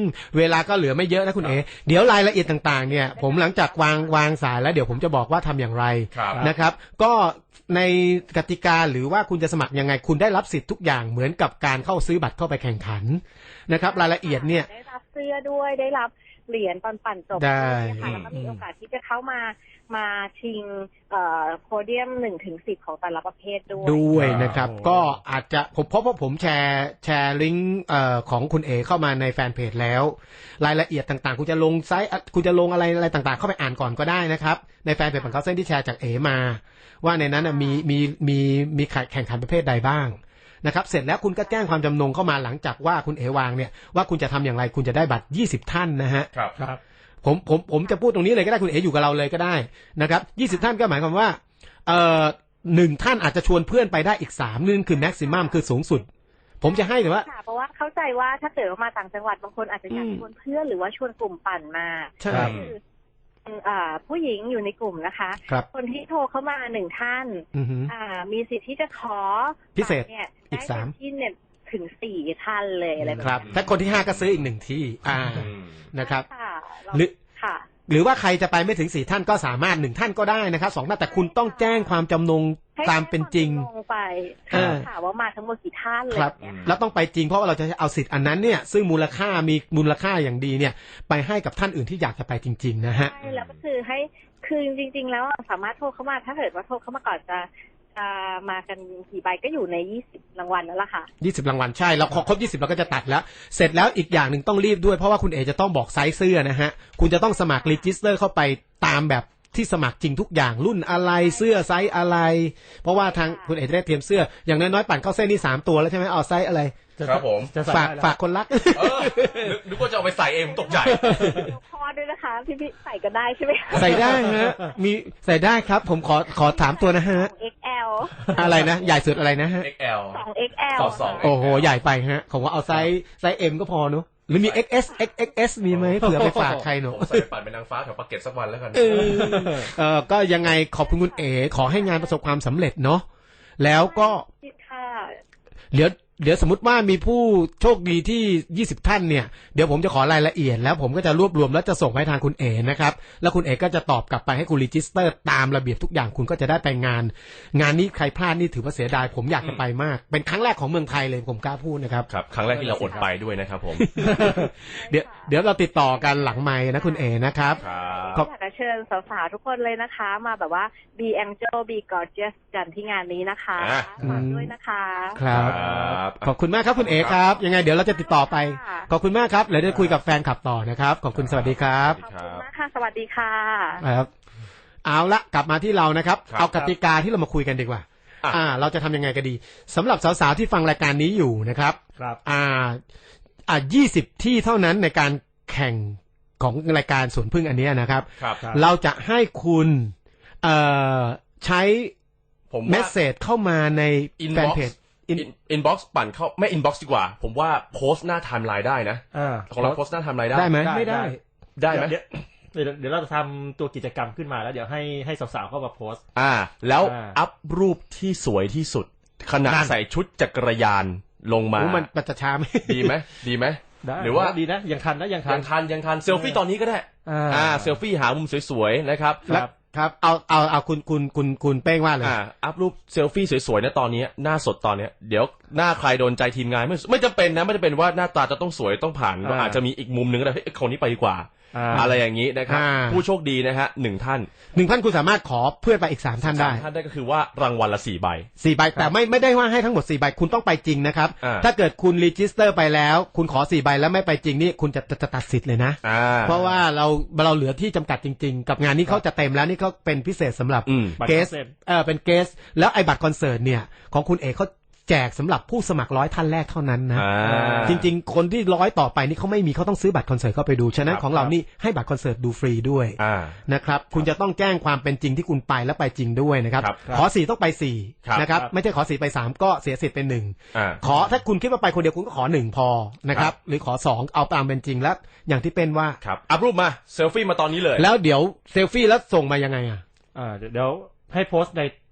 Speaker 3: เวลาก็เหลือไม่เยอะนะคุณเอ๋เดี๋ยวรายละเอียดต่างๆเนี่ยผมหลังจากวางวางสายแล้วเดี๋ยวผมจะบอกว่าทำอย่างไรนะครับก็ในกติกาหรือว่าคุณจะสมัครยังไงคุณได้รับสิทธิ์ทุกอย่างเหมือนกับการเข้าซื้อบัตรเข้าไปแข่งขันนะครับรายละเอียดเนี่ย
Speaker 5: ได้รับเสื้อด้วยได้รับเหรียญตอนปั่นจบด้วยค่ะแล้วก็มีโอกาสที่จะเข้ามามาชิงโพเดียมหนึ่งถึงสิบของแต่ละประเภทด้วย
Speaker 3: ด้วยนะครับก็อาจจะผมเพราะว่าผมแชร์แชร์ลิงก์ของคุณเอเข้ามาในแฟนเพจแล้วรายละเอียดต่างๆคุณจะลงไซต์คุณจะลงอะไรอะไรต่างๆเข้าไปอ่านก่อนก็ได้นะครับในแฟนเพจของเขาเส้นที่แชร์จากเอมาว่าในนั้นมีมีมีมีแข่งขันประเภทใดบ้างนะครับเสร็จแล้วคุณก็แจ้งความจำนงเข้ามาหลังจากว่าคุณเอวางเนี่ยว่าคุณจะทำอย่างไรคุณจะได้บัตรยี่สิบท่านนะฮะ
Speaker 4: ครับครับ
Speaker 3: ผมผมผมจะพูดตรงนี้เลยก็ได้คุณเออยู่กับเราเลยก็ได้นะครับยี่สิบท่านก็หมายความว่าเอ่อหนึ่งท่านอาจจะชวนเพื่อนไปได้อีกสามนึงคือแม็กซิมัมคือสูงสุดผมจะให้แต่ว่า
Speaker 5: เพราะว่าเข้าใจว่าถ้าเกิดว่ามาต่างจังหวัดบางคนอาจจะอยากชวนเพื่อนหรือว่าชวนกลุ่มปั่นมา
Speaker 3: ใช่
Speaker 5: ผู้หญิงอยู่ในกลุ่มนะคะคนที่โทรเข้ามาหนึ่งท่านมีสิทธิ์ที่จะขอ
Speaker 3: พิเศษ
Speaker 5: เนี่ย
Speaker 3: อีกสาม
Speaker 5: ที่เนี่ยถึงสี่ท่านเลยอะไรแบบ
Speaker 3: ครับถ้าคนที่ห้าก็ซื้ออีกหนึ่งที่อ่านะครับ
Speaker 5: หรือค่ะ
Speaker 3: หรือว่าใครจะไปไม่ถึงสี่ท่านก็สามารถหนึ่งท่านก็ได้นะครับสองท่านแต่คุณต้องแจ้งความจำนงตามเป็นจริง
Speaker 5: ไปถามว่ามาทั้งหมดกี่ท่านเลย
Speaker 3: ครับแล้วต้องไปจริงเพราะว่าเราจะเอาสิทธิ์อันนั้นเนี่ยซึ่งมูลค่ามีมูลค่าอย่างดีเนี่ยไปให้กับท่านอื่นที่อยากจะไปจริงๆนะฮะ
Speaker 5: ใช่แล้วก็คือให้คือจริงๆแล้วสามารถโทรเข้ามาถ้าเกิดว่าโทรเข้ามาก่อนจะจะมากันกี่ใบก็อยู่ในยี่สิบรางวัลนั่นแหละค่ะ
Speaker 3: ยี่สิบรางวัลใช่เราครบยี่สิบเราก็จะตัดแล้วเสร็จแล้วอีกอย่างหนึ่งต้องรีบด้วยเพราะว่าคุณเอจะต้องบอกไซส์เสื้อนะฮะคุณจะต้องสมัครรีจิสเตอร์เข้าไปตามแบบที่สมัครจริงทุกอย่างรุ่นอะไรเสื้อไซส์อะไรเพราะว่าทางคุณเอจะได้เตรียมเสื้ออย่างน้อยๆปั่นเข้าเส้นนี่สามตัวแล้วใช่ไหมเอาไซส์อะไร
Speaker 4: ครับผม
Speaker 3: ฝากฝากคนรัก
Speaker 4: นึกว่าจะเอาไปใส่เองตกใจ
Speaker 5: พอด้วยนะคะพี่พี่ใส่ก็ได้ใช่ไหม
Speaker 3: ใส่ได้ฮะมีใส่ได้ครับผมขอขอถามตัวนะฮะ
Speaker 5: เอ็กซ์ แอล
Speaker 3: อะไรนะใหญ่สุดอะไรนะฮะ
Speaker 4: เอ็กซ์ แอล
Speaker 5: สอง เอ็กซ์ แอล
Speaker 4: สอง
Speaker 3: โอ้โหใหญ่ไปฮะผมว่าเอาไซส์ไซส์ M ก็พอเนอะหรือมี เอ็กซ์ เอส เอ็กซ์ เอ็กซ์ เอส มีไหมเผื่อไปฝากใครหนู
Speaker 4: ผมใส่ปั่นเป็นนางฟ้าแถวปากเกร็ดสักวันแล้วกัน
Speaker 3: เออเออก็ยังไงขอบคุณคุณเอ๋ขอให้งานประสบความสำเร็จเนาะแล้วก็เดี๋ยวเดี๋ยวสมมติว่ามีผู้โชคดีที่ยี่สิบท่านเนี่ยเดี๋ยวผมจะขอรายละเอียดแล้วผมก็จะรวบรวมแล้วจะส่งให้ทางคุณเอ๋นะครับแล้วคุณเอ๋ก็จะตอบกลับไปให้คุณรีจิสเตอร์ตามระเบียบทุกอย่างคุณก็จะได้ไปงานงานนี้ใครพลาดนี่ถือว่าเสียดายผมอยากจะไปมากเป็นครั้งแรกของเมืองไทยเลยผมกล้าพูดนะครับ
Speaker 4: ครับครั้งแรกที่เราอดไปด้วยนะครับผม
Speaker 3: เดี๋ยวเดี๋ยวเราติดต่อกันหลังไมค์นะคุณเอ๋นะครับ
Speaker 5: ขอเชิญสาวๆทุกคนเลยนะคะมาแบบว่า be angel be gorgeous กันที่งานนี้นะคะฝากด้วยนะคะ
Speaker 3: ครับขอบคุณมากครับคุณเอ๋ครับยังไงเดี๋ยวเราจะติดต่อไปขอบคุณมากครับเดี๋ยวได้คุยกับแฟนคลับต่อนะครับขอบคุณสวัสดีครับ
Speaker 5: ขอบคุณมากค่ะสวัสดีค่ะ
Speaker 3: ครับเอาละกลับมาที่เรานะครับเอากติกาที่เรามาคุยกันดีกว่าอ่าเราจะทำยังไงกันดีสำหรับสาวๆที่ฟังรายการนี้อยู่นะครับ
Speaker 2: ครับ
Speaker 3: อ่าอ่ายี่สิบที่เท่านั้นในการแข่งของรายการสวนพึ่งอันนี้นะครับเราจะให้คุณเอ่อใช้เมสเสจเข้ามาในแฟนเพจ
Speaker 4: อินบ็อกซ์ปั่นเข้าไม่อินบ็อกซ์ดีกว่าผมว่าโพสต์หน้าไทม์ไลน์ได้นะของเราโพสต์หน้าไทม์ไลน์ได้
Speaker 3: ได้ไหมไม่ได้
Speaker 4: ได้ไหม
Speaker 2: เดี๋ยวเดี๋ยวเราจะทำตัวกิจกรรมขึ้นมาแล้วเดี๋ยวให้ให้สาวๆเข้ามาโพสต์
Speaker 4: อ่าแล้วอัพรูปที่สวยที่สุดขณะใส่ชุดจักรยานลงมา
Speaker 3: มันมันจะช้าไหม
Speaker 4: ดีไหมดีไหม
Speaker 2: หรือว่าดีนะยังทันนะยังทัน
Speaker 4: ยังทันยังทันเซลฟี่ตอนนี้ก็ได้อ่าเซลฟี่หามุมสวยๆนะครับ
Speaker 3: ครับเอาเอาเอาคุณคุณคุณคุณเป้งว่าเลย
Speaker 4: อ่าอัพรูปเซลฟี่สวยๆนะตอนนี้หน้าสดตอนนี้เดี๋ยวหน้าใครโดนใจทีมงานไม่ไม่จำเป็นนะไม่จำเป็นว่าหน้าตาจะต้องสวยต้องผ่านก็อาจจะมีอีกมุมนึงก็ได้เฮ้ยคนนี้ไปดีกว่าอะไรอย่างนี้นะครับผู้โชคดีนะฮะหนึ่งท่าน
Speaker 3: หนึ่งท่านคุณสามารถขอเพื่อนไปอีกสามท่านได้
Speaker 4: ท่านได้ก็คือว่ารางวัลละสี่ใบ
Speaker 3: สี่ใบแต่ไม่ไม่ได้ว่าให้ทั้งหมดสี่ใบคุณต้องไปจริงนะครับถ้าเกิดคุณรีจิสเตอร์ไปแล้วคุณขอสี่ใบแล้วไม่ไปจริงนี่คุณจะจะตัดสิทธิ์เลยนะเพราะว่าเราเราเหลือที่จำกัดจริงๆกับงานนี้เขาจะเต็มแล้วนี่เขาเป็นพิเศษสำหรับเกสเออเป็นเกสแล้วไอ้บัตรคอนเสิร์ตเนี่ยของคุณเอกเขาแจกสำหรับผู้สมัครร้อยท่านแรกเท่านั้นนะจริงๆคนที่ร้อยต่อไปนี่เขาไม่มีเขาต้องซื้อบัตรคอนเสิร์ตเข้าไปดูฉะนั้นของเรานี่ให้บัตรคอนเสิร์ตดูฟรีด้วยนะครับคุณจะต้องแจ้งความเป็นจริงที่คุณไปแล้วไปจริงด้วยนะครับขอสี่ต้องไปสี่นะครับไม่ใช่ขอสี่ไปสามก็เสียสิทธิ์เป็นหนึ่งขอถ้าคุณคิดว่าไปคนเดียวคุณก็ขอหนึ่งพอนะครับหรือขอสองเอาตามเป็นจริงแล้วอย่างที่เป็นว่า
Speaker 4: ครับอัพรูปมาเซลฟี่มาตอนนี้เลย
Speaker 3: แล้วเดี๋ยวเซลฟี่แล้วส่งมายังไงอ่ะ
Speaker 2: อ่าเดี๋ยวให้โพสต์ใน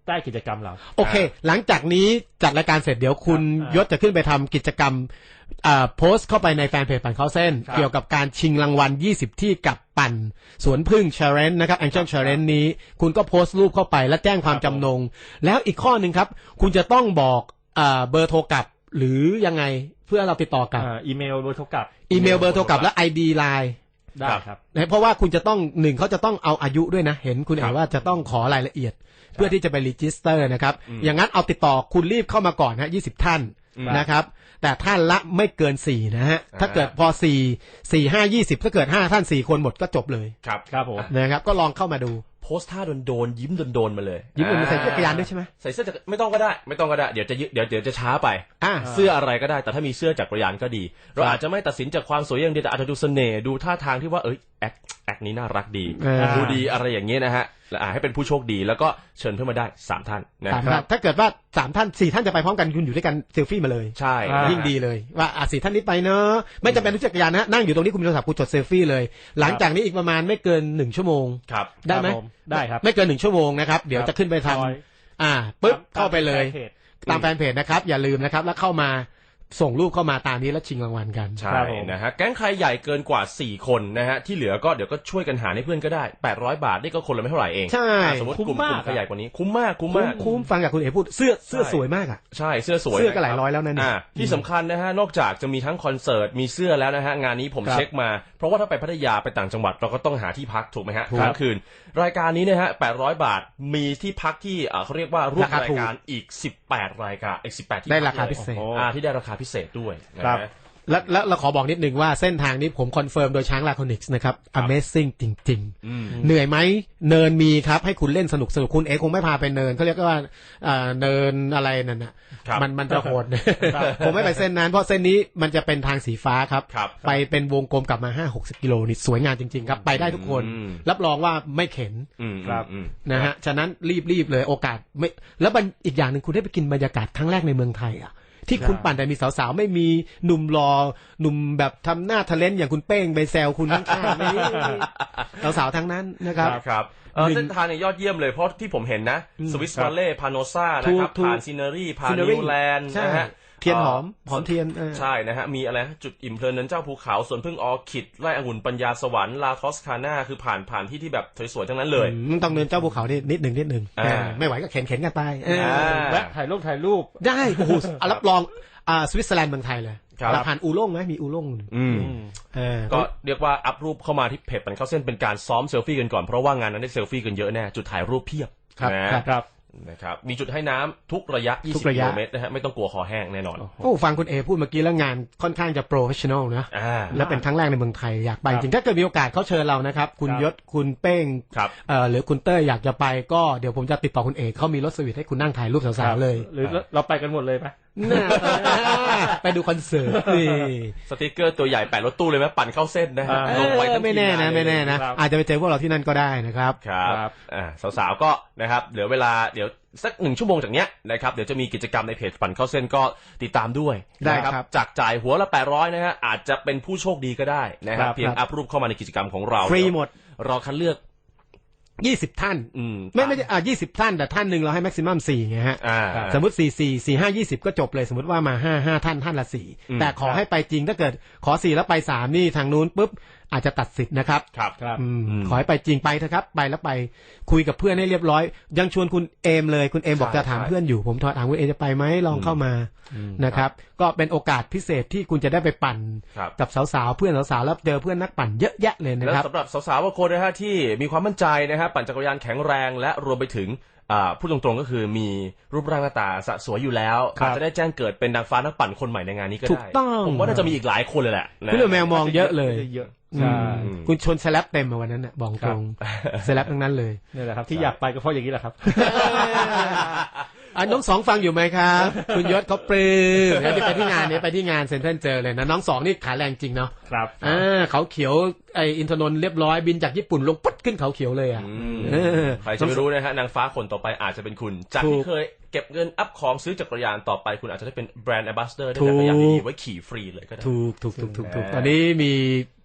Speaker 2: ใต้กิจกรรมเรา
Speaker 3: โอเคหลังจากนี้จัดรายการเสร็จเดี๋ยวคุณยศจะขึ้นไปทำกิจกรรมโพสต์เข้าไปในแฟนเพจปั่นเข้าเส้นเกี่ยวกับการชิงรางวัลยี่สิบที่กับปั่นสวนพึ่งเชเรนนะครับแองเจิลเชเรนนี้คุณก็โพสต์รูปเข้าไปและแจ้งความจำนงแล้วอีกข้อหนึ่งครับคุณจะต้องบอกเบอร์โทรกลับหรือยังไงเพื่อเราติดต่อกับ
Speaker 2: อีเมลเบอร์โทรกลับ
Speaker 3: อีเมลเบอร์โทรกลับและ ไอ ดี ไลน์
Speaker 2: ได้ครับ
Speaker 3: เพราะว่าคุณจะต้องหนึ่งเขาจะต้องเอาอายุด้วยนะเห็นคุณเอ๋ว่าจะต้องขอรายละเอียดเพื่อที่จะไปรีจิสเตอร์นะครับอย่างนั้นเอาติดต่อคุณรีบเข้ามาก่อนฮะยี่สิบท่านนะครับแต่ท่านละไม่เกินสี่นะฮะถ้าเกิดพอสี่ สี่ ห้า ยี่สิบถ้าเกิดห้าท่านสี่คนหมดก็จบเลย
Speaker 4: ครับ
Speaker 2: ครับผม
Speaker 3: นะครับก็ลองเข้ามาดู
Speaker 4: โพสท่าโดนๆยิ้มโดนๆมาเลย
Speaker 3: ยิ้มโดนใส่เสื้อจักรยานด้วยใช่ไหม
Speaker 4: ใส่เสื้อจักรไม่ต้องก็ได้ไม่ต้องก็ได้เดี๋ยวจะเดี๋ยวเดี๋ยวจะช้าไปเสื้ออะไรก็ได้แต่ถ้ามีเสื้อจักรยานก็ดีเราอาจจะไม่ตัดสินจากความสวยอย่างเดียวแต่อาจจะดูเสน่ห์ดูท่าทางที่ว่าเอ้ยแอคแอคนี้น่ารักดีดูดีอะไรอย่างเงี้ยนะฮะและให้เป็นผู้โชคดีแล้วก็เชิญเพื่อนมาได้สามท่าน
Speaker 3: นะครับถ้าเกิดว่าสามท่านสี่ท่านจะไปพร้อมกันคุณอยู่ด้วยกันเซลฟี่มาเลย
Speaker 4: ใช่
Speaker 3: ยิ่งดีเลยว่าอ่ะสี่ท่านนี้ไปเนอะไม่จำเป็นต้องจักรยานนะนั่งอยู่ตรงนี้คุณมีโทรศัพท์คุณจดเซลฟี่เลยหลังจากนี้อีกประมาณไม่เกินหนึ่งชั่วโมง
Speaker 4: ครับ
Speaker 3: ได้ไหม
Speaker 2: ได้ครับ
Speaker 3: ไม่เกินหนึ่งชั่วโมงนะครับเดี๋ยวจะขึ้นไปทำอ่าปึ๊บเข้าไปเลยตามแฟนเพจนะครับอย่าลืมนะครับแล้วเข้ามาส่งรูปเข้ามาตามนี้แล้วชิงรางวัลกัน
Speaker 4: ใช่นะฮะแก๊งใครใหญ่เกินกว่าสี่คนนะฮะที่เหลือก็เดี๋ยวก็ช่วยกันหาให้เพื่อนก็ได้แปดร้อยบาทนี่ก็คนละไม่เท่าไหร่เอง
Speaker 3: ใช่
Speaker 4: สมมติกลุ่มกลุ่มใครใหญ่กว่านี้คุ้มมากคุ้มมาก
Speaker 3: คุ้มฟังจากคุณเอ๋พูดเสื้อเสื้อสวยมากอ่ะ
Speaker 4: ใช่เสื้อสวย
Speaker 3: เสื้อก็หลายร้อยแล้วนะ
Speaker 4: นี่ที่สำคัญนะฮะนอกจากจะมีทั้งคอนเสิร์ตมีเสื้อแล้วนะฮะงานนี้ผมเช็คมาเพราะว่าถ้าไปพัทยาไปต่างจังหวัดเราก็ต้องหาที่พักถูกไหมฮะค้างคืนรายการนี้นะฮะแปดร้อยบาทมีที่พักที่เขาเรียกว่าร่วมรายการอีกสิบแปดรายการอีกสิบแปดที่
Speaker 3: ได้ราคาพิเศษ
Speaker 4: ที่ได้ราคาพิเศษด้วย
Speaker 3: ครับและและเราขอบอกนิดนึงว่าเส้นทางนี้ผมคอนเฟิร์มโดยช้างลาคอนิกส์นะครับ Amazing จริงๆเหนื่อยไหมเนินมีครับให้คุณเล่นสนุกสนุกคุณเอคงไม่พาไปเนินเขาเรียกว่าเนินอะไรนั่นน่ะมันมันจะโหดผมไม่ไปเส้นนั้นเพราะเส้นนี้มันจะเป็นทางสีฟ้าครับไปเป็นวงกลมกลับมา ห้าหกสิบ กิโลนี่สวยงามจริงๆครับไปได้ทุกคนรับรองว่าไม่เข็น
Speaker 4: ครับ
Speaker 3: นะฮะฉะนั้นรีบๆเลยโอกาสไม่แล้วอีกอย่างหนึ่งคุณได้ไปกินบรรยากาศครั้งแรกในเมืองไทยอ่ะที่คุณปั่นแต่มีสาวๆไม่มีหนุ่มรอหนุ่มแบบทำหน้าทะเลนอย่างคุณเป้งไปแซวคุณข้างๆไม่สาวๆทั้งนั้นนะครับ
Speaker 4: ครับเส้นทางเนี่ยยอดเยี่ยมเลยเพราะที่ผมเห็นนะสวิสวัลเล่พาโนซ่านะครับผ่านซีเนอรี่ผ่านนิวแลนด์นะฮะ
Speaker 3: เทียนหอมหอมเทียน
Speaker 4: ใช่นะฮะมีอะไรจุดอิ่มเพลินนั้นเจ้าภูเขาสวนพึ่งออคิดไร่องุ่นปัญญาสวรรค์ลาทอสคาน่าคือผ่านผ่านที่ที่แบบสวยๆทั้งนั้นเลย
Speaker 3: ต้องเดินเจ้าภูเขานี่นิดหนึ่งนิดหนึ่งไม่ไหวก็เข็นเข็นกันไป
Speaker 2: แวะถ่ายรูปถ่ายรูป
Speaker 3: ได้โอ้โหรับรองอ่าสวิตเซอร์แลนด์เมืองไทยเลยเราผ่านอูล่งไหมมีอูล่ง
Speaker 4: ก็เรียกว่าอัพรูปเข้ามาที่เพจปั่นเข้าเส้นเป็นการซ้อมเซลฟี่กันก่อนเพราะว่างานนั้นได้เซลฟี่กันเยอะแน่จุดถ่ายรูปเพียบ
Speaker 3: นะครับ
Speaker 4: นะครับมีจุดให้น้ำทุกระยะยี่สิบกิโลเมตรนะฮะไม่ต้องกลัวคอแห้งแน่นอน
Speaker 3: โอ้ฟังคุณเอพูดเมื่อกี้แล้วงานค่อนข้างจะโปรเฟชชั่นอลนะและเป็นครั้งแรกในเมืองไทยอยากไปจริงถ้าเกิดมีโอกาสเขาเชิญเรานะครับคุณยศคุณเป้งหรือคุณเต้ยอยากจะไปก็เดี๋ยวผมจะติดต่อคุณเอเขามีรถสวิตให้คุณนั่งถ่ายรูปสาวๆเลย
Speaker 2: หรือเราไปกันหมดเลยไหม
Speaker 3: ไปดูคอนเสิร์ต
Speaker 4: สติ๊กเกอร์ตัวใหญ่แปะรถตู้เลยไหมปั่นเข้าเส้นนะฮะลงไป
Speaker 3: ไม่แน่นะไม่แน่นะอาจจะไปเจอพวกเราที่นั่นก็ได้นะครับ
Speaker 4: ครับสาวๆก็นะครับเหลือเวลาเดี๋ยวสักหนึ่งชั่วโมงจากเนี้ยนะครับเดี๋ยวจะมีกิจกรรมในเพจปั่นเข้าเส้นก็ติดตามด้วย
Speaker 3: ได้ครับ
Speaker 4: จากจ่ายหัวละแปดร้อยนะฮะอาจจะเป็นผู้โชคดีก็ได้นะครับเพียงอัพรูปเข้ามาในกิจกรรมของเรา
Speaker 3: ฟรีหมด
Speaker 4: รอคัดเลือก
Speaker 3: ยี่สิบท่านไม่ไม่ใช่อ่ายี่สิบท่านแต่ท่านหนึ่งเราให้แม็กซิมัมสี่ไงฮะสมมติสี่สี่สี่ห้ายี่สิบก็จบเลยสมมติว่ามาห้าห้าท่านท่านละสี่แต่ขอให้ไปจริงถ้าเกิดขอสี่แล้วไปสามนี่ทางนู้นปุ๊บอาจจะตัดสิทธิ์นะครับ
Speaker 4: ครับครับ
Speaker 3: ขอให้ไปจริงไปเถอะครับไปแล้วไปคุยกับเพื่อนให้เรียบร้อยยังชวนคุณเอมเลยคุณเอมบอกจะถามเพื่อนอยู่ผมถามคุณเอมจะไปไหมลองเข้ามานะครับก็เป็นโอกาสพิเศษที่คุณจะได้ไปปั่นกับสาวๆเพื่อนสาวๆแล้วเจอเพื่อนนักปั่นเยอะแยะเลยนะครับ
Speaker 4: และสำหรับสาวๆบางคนนะฮะที่มีความมั่นใจนะฮะปั่นจักรยานแข็งแรงและรวมไปถึงพูดตรงๆก็คือมีรูปร่างหน้าตาสวยอยู่แล้วอาจจะได้แจ้งเกิดเป็นนางฟ้านักปั่นคนใหม่ในงานนี้ก็ได้ผมว่าน่าจะมีอีกหลายคนเลยแหละ
Speaker 3: คุณแมวมองเยอะเลยคุณชนสแลปเต็มมาวันนั้นน่ะบอกตรงสแลปทั้งนั้นเลย
Speaker 2: นี่แหละครับที่อยากไปก็เพราะอย่างนี้แหละครับ
Speaker 3: อ่ะน้องสองฟังอยู่ไหมครับคุณยศเขาปลื้มเดี๋ยวไปที่งานนี้ไปที่งานเซ็นทรัลเจอเลยนะน้องสองนี่ขาแรงจริงเนาะ
Speaker 2: ครับ
Speaker 3: อ่าเขาเขียวไออินทนนท์เรียบร้อยบินจากญี่ปุ่นลงปุ๊บขึ้นเขาเขียวเลยอ่ะ
Speaker 4: ใครจะไม่รู้นะฮะนางฟ้าคนต่อไปอาจจะเป็นคุณจากที่เคยเก็บเงินอัพของซื้อจักรยานต่อไปคุณอาจจะได้เป็นแบรนด์แอมบาสเดอร์ได้จักรยานดีไว้ขี่ฟรีเลยก็ได้
Speaker 3: ถูกถูกถูกถูกถูกตอนนี้มี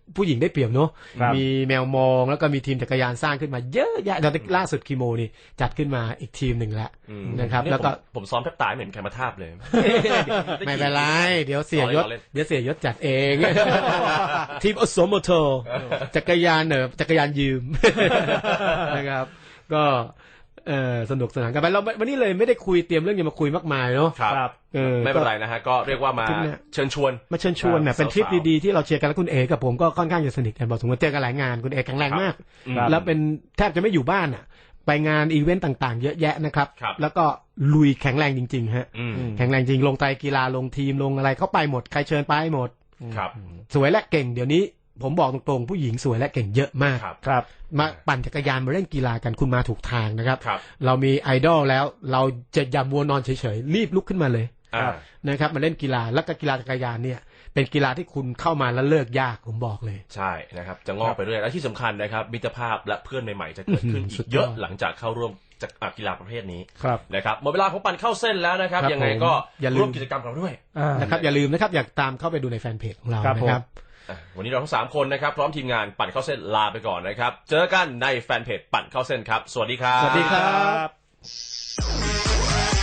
Speaker 3: ผู้หญิงได้เปรียบเนาะ
Speaker 2: ครับ
Speaker 3: มีแมวมองแล้วก็มีทีมจักรยานสร้างขึ้นมาเยอะแยะตอนล่าสุดคีโมนี่จัดขึ้นมาอีกทีมหนึ่งแล้ว
Speaker 4: อืม
Speaker 3: นะครับ
Speaker 4: เนี่ย
Speaker 3: แล้วก็
Speaker 4: ผมผมซ้อมแทบตายไม่เห็นใครมาทาบเลย
Speaker 3: ไม่เป็นไรเดี๋ยวเสียยศ
Speaker 4: ล้อเล่น
Speaker 3: เดี๋ยวเสียยศจัดเอง ทีมอสมโทจักรยานเนอะจักรยานยืม นะครับ ก็เออสนุกสนานกันไปเราวันนี้เลยไม่ได้คุยเตรียมเรื่องจะมาคุยมากมายเนาะ
Speaker 4: ครับ
Speaker 2: ครับ
Speaker 3: เออ
Speaker 4: ไม่เป็นไรนะฮะก็เรียกว่ามา
Speaker 3: ทริปเนี่ย
Speaker 4: เชิญชวน
Speaker 3: มาเชิญชวนเนี่ย
Speaker 4: ครับ
Speaker 3: เป็นทริป
Speaker 4: สาวๆ
Speaker 3: ดีๆที่เราเชียร์กันแล้วคุณเอกับผมก็ค่อนข้างจะสนิทกันบอกสมมติเจอกันหลายงานคุณเอแข็งแรงมาก
Speaker 4: ครับ
Speaker 3: แล้วเป็นแทบจะไม่อยู่บ้านอ่ะ ไปงานอีเวนต์ต่างๆ เยอะแยะนะครับ
Speaker 4: ครับ
Speaker 3: แล้วก็ลุยแข็งแรงจริงๆฮะ
Speaker 4: อืม
Speaker 3: แข็งแรงจริงลงไตรกีฬาลงทีมลงอะไรเข้าไปหมดใครเชิญไปหมด
Speaker 4: ครับ
Speaker 3: สวยและเก่งเดี๋ยวนี้ผมบอกตรงๆผู้หญิงสวยและเก่งเยอะมาก
Speaker 4: ครับ
Speaker 2: ครับ
Speaker 3: มาปั่นจักรยานมาเล่นกีฬากันคุณมาถูกทางนะครับ
Speaker 4: ครับ
Speaker 3: เรามีไอดอลแล้วเราจะอย่ามัวนอนเฉยๆรีบลุกขึ้นมาเลย
Speaker 4: อ่า
Speaker 3: นะครับมาเล่นกีฬาแล้วก็กีฬาจักรยานเนี่ยเป็นกีฬาที่คุณเข้ามาแล้วเลิกยากผมบอกเลย
Speaker 4: ใช่นะครับจะงอกไปเรื่อยและที่สำคัญนะครับมิตรภาพและเพื่อนใหม่ๆจะเกิดขึ้น
Speaker 3: อื้อหือ
Speaker 4: อี
Speaker 3: สุ
Speaker 4: ก
Speaker 3: ดยอด
Speaker 4: เยอะหลังจากเข้าร่วมจากอ่ะกีฬาประเภทนี้
Speaker 2: ครับ
Speaker 4: นะครับหมดเวลาของปั่นเข้าเส้นแล้วนะครับ
Speaker 3: ครับ
Speaker 4: ยังไง
Speaker 3: ผม
Speaker 4: ก็
Speaker 3: อย่าลืม
Speaker 4: ร่วมกิจกรรมกับเราด้วย
Speaker 2: อ่า
Speaker 3: นะครับอย่าลืมนะครับอยากตามเข้าไปดูในแฟนเพจของเรา
Speaker 2: ครับ
Speaker 3: นะครับ
Speaker 4: อ่ะวันนี้เราทั้งสามคนนะครับพร้อมทีมงานปั่นเข้าเส้นลาไปก่อนนะครับเจอกันในแฟนเพจปั่นเข้าเส้นครับสวัสดีครับ
Speaker 3: สวัสดีครับ
Speaker 2: ครับ